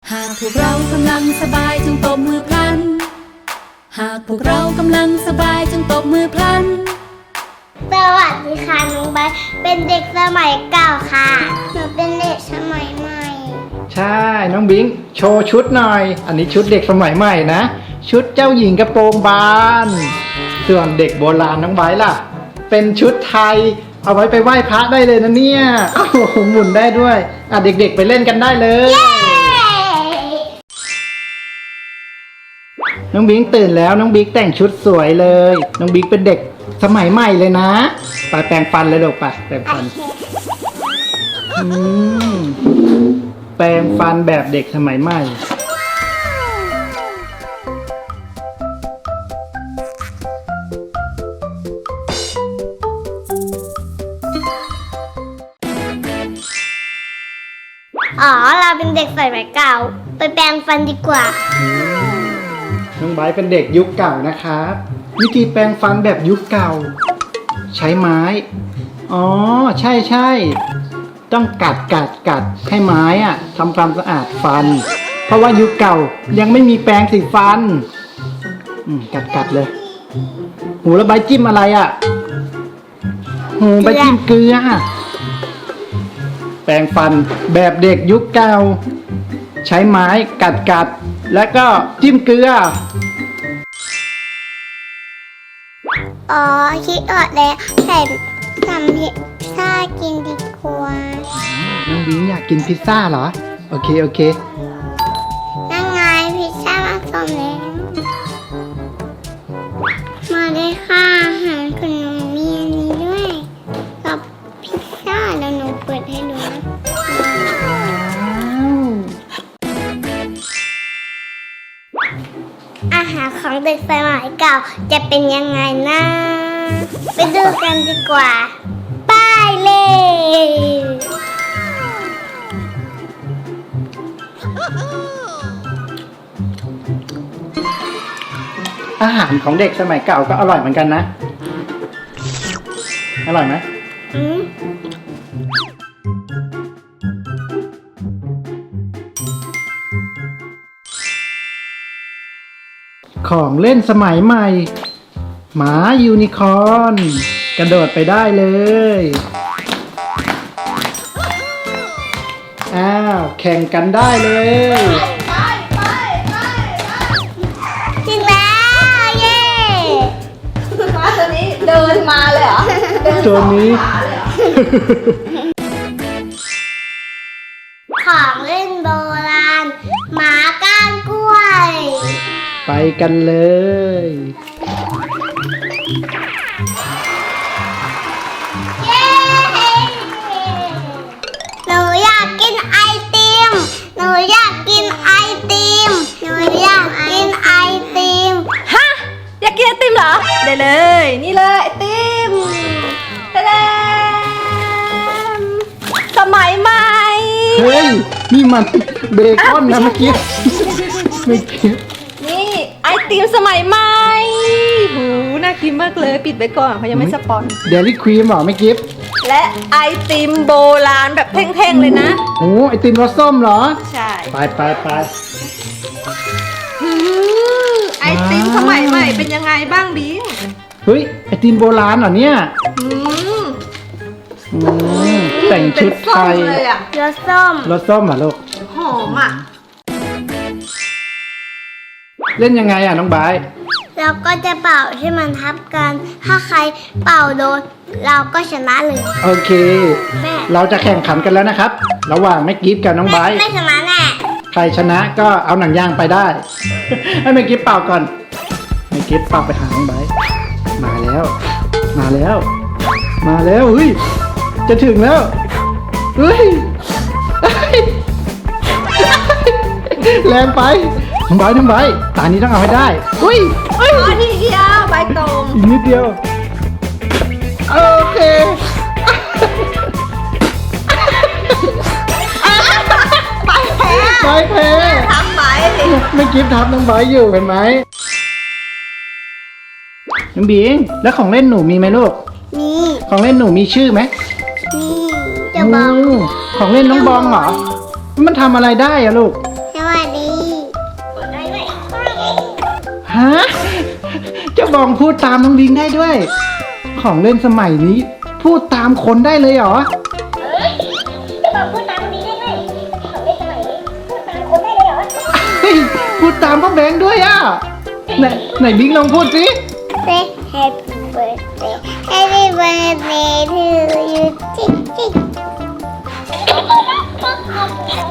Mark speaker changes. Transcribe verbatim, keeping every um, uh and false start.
Speaker 1: หากพวกเรากำลังสบายจงตบมือพลันหากพวกเรากำลังสบายจงตบมือพลัน
Speaker 2: สวัสดีค่ะน้องใบเป็นเด็กสมัยเก่าค่ะหนูเป็นเด็กสมัยใหม่
Speaker 3: ใช่น้องบิงโชว์ชุดหน่อยอันนี้ชุดเด็กสมัยใหม่นะชุดเจ้าหญิงกระโปรงบานส่วนเด็กโบราณน้องไบล่ะเป็นชุดไทยเอาไว้ไปไหว้พระได้เลยนะเนี่ยโอ้โหหมุนได้ด้วยอ่ะเด็กๆไปเล่นกันได้เลยน้องบิงตื่นแล้วน้องบิ๊กแต่งชุดสวยเลยน้องบิ๊กเป็นเด็กสมัยใหม่เลยนะไปแปรงฟันเลยลูกไปแปรงฟันอืมแปรงฟันแบบเด็กสมัยใหม่
Speaker 2: อ๋อเราเป็นเด็กสมัยเก่าไปแปรงฟันดีกว่า
Speaker 3: น้องไบร์ทเป็นเด็กยุคเก่านะครับวิธีแปรงฟันแบบยุคเก่าใช้ไม้อ๋อใช่ใช่ต้องกัดกัดกัดให้ไม้อะทำความสะอาดฟันเพราะว่ายุคเก่ายังไม่มีแปรงสีฟันอืมกัดกัดเลยหูแล้วไบร์ทจิ้มอะไรอะหูไบร์ทจิ้มเกลือแปรงฟันแบบเด็กยุคเก่าใช้ไม้กัดกัดแล้วก็จิ้มเกลือ
Speaker 2: อ๋อคิดออกแล้วใส่ทำพิซซ่ากินดีกว่า
Speaker 3: น้องบิงอยากกินพิซซ่าเหรอโอเคโอเค
Speaker 2: นั่งไงพิซซ่ามาส่งแล้วมาได้ค่ะอาหารคุณหนูมีอันนี้ด้วยกับพิซซ่าแล้วหนูเปิดให้ดูนะอาหารของเด็กสมัยเก่าจะเป็นยังไงนะไปดูกันดีกว่าไปเลย
Speaker 3: อาหารของเด็กสมัยเก่าก็อร่อยเหมือนกันนะอร่อยไหมอืมของเล่นสมัยใหม่หมายูนิคอร์นกระโดดไปได้เลยอ้าวแข่งกันได้เลย
Speaker 2: จริงแล้วเย้
Speaker 1: ม้าตัวนี้เดินมาเลยเหรอ
Speaker 3: ตัวนี้
Speaker 2: ของเล่นโบราณหมาก้านกล้วย
Speaker 3: ไปกันเลย
Speaker 2: เย้หนูอยากกินไอติมหนูอยากกินไอติมหนูอยากกินไอติม
Speaker 1: ฮะอยากกินไอติมเหรอได้เลยนี่เลยไอติมตะเดมสมัยใหม่
Speaker 3: เฮ้ยนี่มันเบคอนนะเมื่อกี้เมื่อกี้
Speaker 1: นี่ไอติมสมัยใหม่หูน่ากินมากเลยปิดไว้ก่อนเขายังไม่สปอน
Speaker 3: เดลี่ครีมหรอไม่กิฟ
Speaker 1: และไอติมโบราณแบบแท่งๆเลยนะ
Speaker 3: โอ้ไอติมรสส้มเหรอ
Speaker 1: ใช่
Speaker 3: ไปไปไป
Speaker 1: ไอติมสมัยใหม่เป็นยังไงบ้างบิง
Speaker 3: เฮ้ยไอติมโบราณเหรอเนี่ยแต่งชุดไทย
Speaker 2: รสส้ม
Speaker 3: รสส้มเหรอลูก
Speaker 1: หอมอ่ะ
Speaker 3: เล่นยังไงอ่ะน้องบาย
Speaker 2: เราก็จะเป่าให้มันทับกันถ้าใครเป่าโดนเราก็ชนะเลย
Speaker 3: โอเคเราจะแข่งขันกันแล้วนะครับระหว่างแม่กิฟกับน้องบาย
Speaker 2: ไม่ชนะแน่
Speaker 3: ใครชนะก็เอาหนังยางไปได้ให้แม่กิฟเป่าก่อนแม่กิฟเป่าไปหาน้องบายมาแล้วมาแล้วมาแล้วเฮ้ยจะถึงแล้วเฮ้ยแรงไปน้องบายน้องบายตานี้ต้องเอาให้ได้อุ้ย
Speaker 1: อ๋อนี่เดียวใบตรง
Speaker 3: อีกนิดเดียวโอเค
Speaker 1: ใบแพ้
Speaker 3: ใบแพ้
Speaker 1: ทำใบ
Speaker 3: ไม่กิฟทับน้องบายอยู่เห็นไหมน้องบิงแล้วของเล่นหนูมีไหมลูก
Speaker 2: มี
Speaker 3: ของเล่นหนูมีชื่อไหม
Speaker 2: มีจะบอง
Speaker 3: ของเล่นน้องบองเหรอมันทำอะไรได้อะลูก
Speaker 2: สวัส
Speaker 3: ฮะเจ้าบองพูดตามน้องบิงได้ด้วย ของเล่นสมัยนี้ พูดตามคนได้เลยเหรอ
Speaker 2: เอ้ยจะบอกพูดตามคนนี้ได้ไหมของเล่นสมัยนี้พูดตามคนได้เลยเหรอ
Speaker 3: เฮ้ยพูดตามพ่อแบงค์ด้วยอ่ะไหนไหนบิงลองพูดสิ
Speaker 2: Say happy birthday Happy birthday to you จิ๊กจิ๊ก